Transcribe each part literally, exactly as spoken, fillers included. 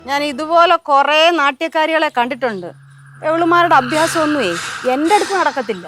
ഞാൻ ഇതുപോലെ കുറെ നാട്യക്കാരികളെ കണ്ടിട്ടുണ്ട്. എവളുമാരുടെ അഭ്യാസമൊന്നുമേ എന്റെ അടുത്ത് നടക്കത്തില്ല.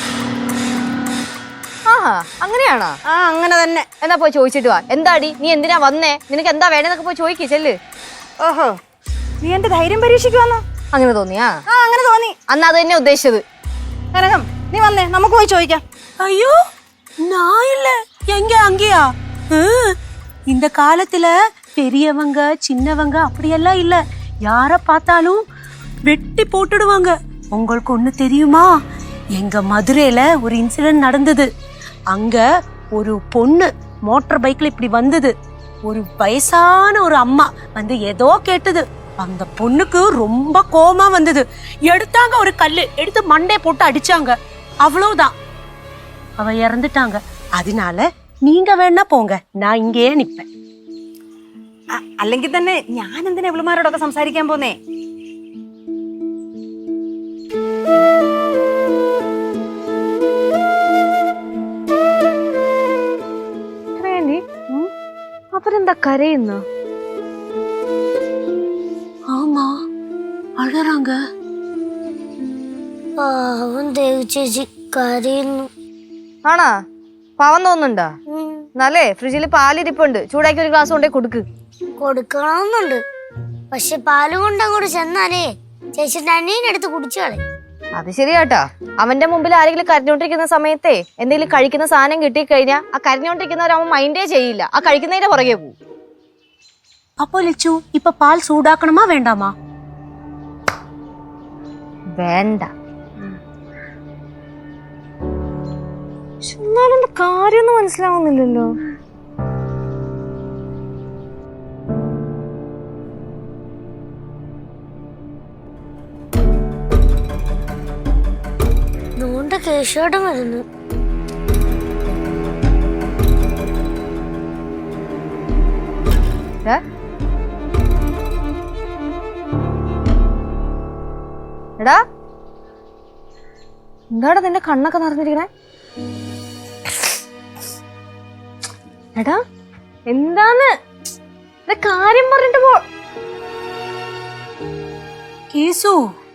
ആഹാ അങ്ങനെയാണോ? ആ അങ്ങനെ തന്നെ. എന്നാ പോയി ചോദിച്ചിട്ട് വാ. എന്താടി നീ എന്തിനാ വന്നേ, നിനക്ക് എന്താ വേണമെന്നൊക്കെ പോയി ചോദിക്കേ ചെല്ല്. ഓഹോ, നീ എന്റെ ധൈര്യം പരീക്ഷിക്കുവാന്നോ? അങ്ങനെ തോന്നിയാ? ആ അങ്ങനെ തോന്നി. അന്ന് അത് തന്നെ ഉദ്ദേശിച്ചത്. കനകം നീ വന്നേ, നമുക്ക് പോയി ചോദിക്കാം. ஐயோ நான் இல்ல, எங்க அங்கேயா? இந்த காலத்துல பெரியவங்க சின்னவங்க அப்படியெல்லாம் இல்ல, யார பார்த்தாலும் வெட்டி போட்டுடுவாங்க. உங்களுக்கு ஒண்ணு தெரியுமா? எங்க மதுரையில ஒரு இன்சிடென்ட் நடந்தது. அங்க ஒரு பொண்ணு மோட்டார் பைக்ல இப்படி வந்தது. ஒரு வயசான ஒரு அம்மா வந்து ஏதோ கேட்டது. அந்த பொண்ணுக்கு ரொம்ப கோபமா வந்தது. எடுத்தாங்க ஒரு கல்லு எடுத்து மண்டே போட்டு அடிச்சாங்க. அவ்வளவுதான், அவ இறந்துட்டாங்க. அதனால நீங்க வேணா போங்க, நான் இங்கேயே நிப்பேன். അല്ലെങ്കിൽ തന്നെ ഞാൻ എന്തിനാ ഇവളുമാരോടൊക്കെ സംസാരിക്കാൻ പോന്നേ? അവരെന്താ കരയുന്നു? ஆமா அழறாங்க. പാവം ദേവി ചേച്ചി കരയുന്നു. ആണാ? പാവം തോന്നുന്നുണ്ടാ? എന്നാലേ ഫ്രിഡ്ജിൽ പാലിരിപ്പുണ്ട്, ചൂടാക്കി ഒരു ഗ്ലാസ് കൊണ്ടേ കൊടുക്ക്. കൊടുക്കണമെന്നുണ്ട്, പക്ഷെ പാല് കൊണ്ട് അങ്ങോട്ട് ചെന്നാലേ ചേച്ചിയുടെ അനിയനെടുത്ത് കുടിച്ചു കളയും. അത് ശരിയാട്ടാ. അവന്റെ മുമ്പിൽ ആരെങ്കിലും കരഞ്ഞോണ്ടിരിക്കുന്ന സമയത്തെ എന്തെങ്കിലും കഴിക്കുന്ന സാധനം കിട്ടിക്കഴിഞ്ഞാൽ ആ കരഞ്ഞോണ്ടിരിക്കുന്നവരവൻ മൈൻഡേ ചെയ്യില്ല, ആ കഴിക്കുന്നതിന്റെ പുറകെ പോകും. அப்போ லட்சு இப்ப பால் சூடாக்கணுமா வேண்டாமா? വേണ്ട. എന്നാലും കാര്യമൊന്നും മനസ്സിലാവുന്നില്ലല്ലോ. നോണ്ട കേശോടം വരുന്നു. എടാ എന്താടാ നിന്റെ കണ്ണൊക്കെ നിറഞ്ഞിരിക്കണേ? എടാ എന്താന്ന് കാര്യം പറഞ്ഞിട്ട് പോ. கேசு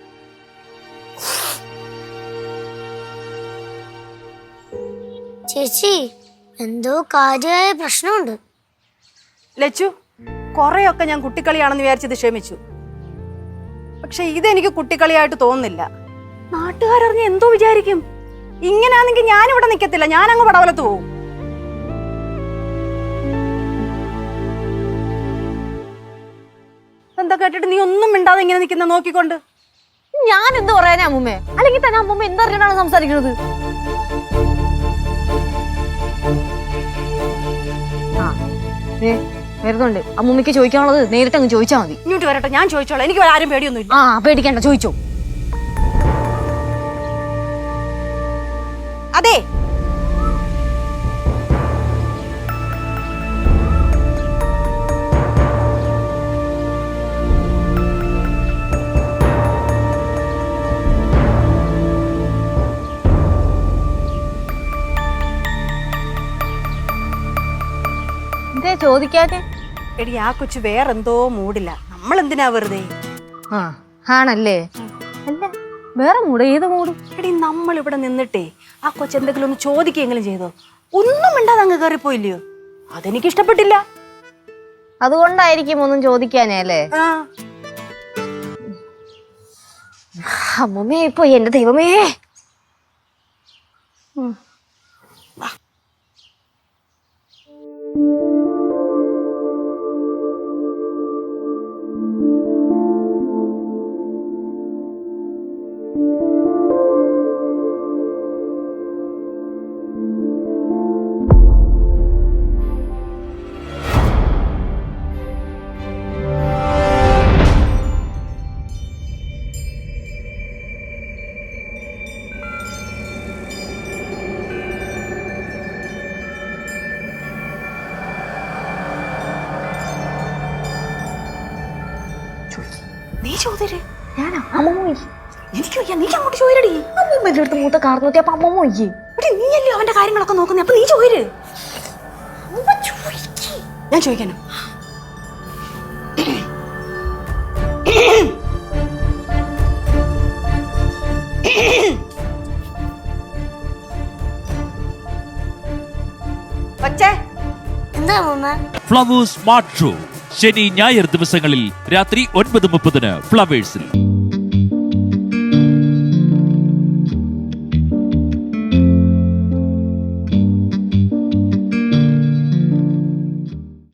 ചേച്ചി എന്തോ കാര്യമായ പ്രശ്നമുണ്ട്. ലച്ചു, കുറെയൊക്കെ ഞാൻ കുട്ടിക്കളിയാണെന്ന് വിചാരിച്ചത് ക്ഷമിച്ചു. പക്ഷെ ഇതെനിക്ക് കുട്ടിക്കളിയായിട്ട് തോന്നുന്നില്ല. നാട്ടുകാരറിഞ്ഞ എന്തോ വിചാരിക്കും? ഇങ്ങനാണെങ്കിൽ ഞാനിവിടെ നിൽക്കത്തില്ല, ഞാൻ അങ്ങ് പടവലത്ത് പോവും. എന്താ കേട്ടിട്ട് നീ ഒന്നും മിണ്ടാതെ ഇങ്ങനെ നിൽക്കുന്ന നോക്കിക്കൊണ്ട്? ഞാൻ എന്ത് പറയാനാ അമ്മൂമ്മേ? അല്ലെങ്കിൽ തന്നെ അമ്മൂമ്മ എന്തറിഞ്ഞാണ് സംസാരിക്കുന്നത്? ആ വരുന്നുണ്ട്. അമ്മൂമ്മയ്ക്ക് ചോദിക്കാനുള്ളത് നേരിട്ട് അങ്ങ് ചോദിച്ചാൽ മതി. ഇങ്ങോട്ട് വരട്ടെ, ഞാൻ ചോദിച്ചോളാം. എനിക്ക് ആരും പേടിയൊന്നുമില്ല. ആ പേടിക്കണ്ട, ചോദിച്ചോ. അതെ, എന്തേ ചോദിക്കാതെ? എടി ആ കൊച്ചു വേറെന്തോ മൂടില്ല. നമ്മൾ എന്തിനാ വെറുതെ? ആ ആണല്ലേ? അല്ല വേറെ മൂട്? ഏത് മൂടും? എടി നമ്മൾ ഇവിടെ നിന്നിട്ടേ ആ കൊച്ചു എന്തെങ്കിലും ഒന്ന് ചോദിക്കെങ്കിലും ചെയ്തോ? ഒന്നും മിണ്ടാതെ അങ്ങ് കയറിപ്പോയില്ലയോ? അതെനിക്ക് ഇഷ്ടപ്പെട്ടില്ല. അതുകൊണ്ടായിരിക്കും ഒന്നും ചോദിക്കാനേ അല്ലേ? ആ അമ്മൂമ്മേ ഇപ്പൊ എന്റെ ദൈവമേ. നീ ചോദിര്. ഞാനാ? അമ്മൂമ്മ എനിക്ക് വയ്യ, നീ അങ്ങോട്ട് ചോദിരടി. അമ്മൂമ്മ അടുത്ത് മൂത്ത കാർന്നൂറ്റി അപ്പൊ അമ്മൂമ്മ ഒയ്യേ. നീയല്ലേ അവന്റെ കാര്യങ്ങളൊക്കെ നോക്കുന്നേ, അപ്പൊ നീ ചോദിര്. ഞാൻ ചോദിക്കാനോ? കൊച്ചേ എന്താ അമ്മൂമ്മ? ഫ്ലവേഴ്സ് സ്മാർട്ട് ഷോ ശനി ഞായർ ദിവസങ്ങളിൽ രാത്രി ഒൻപത് മുപ്പതിന് ഫ്ലവേഴ്സിൽ.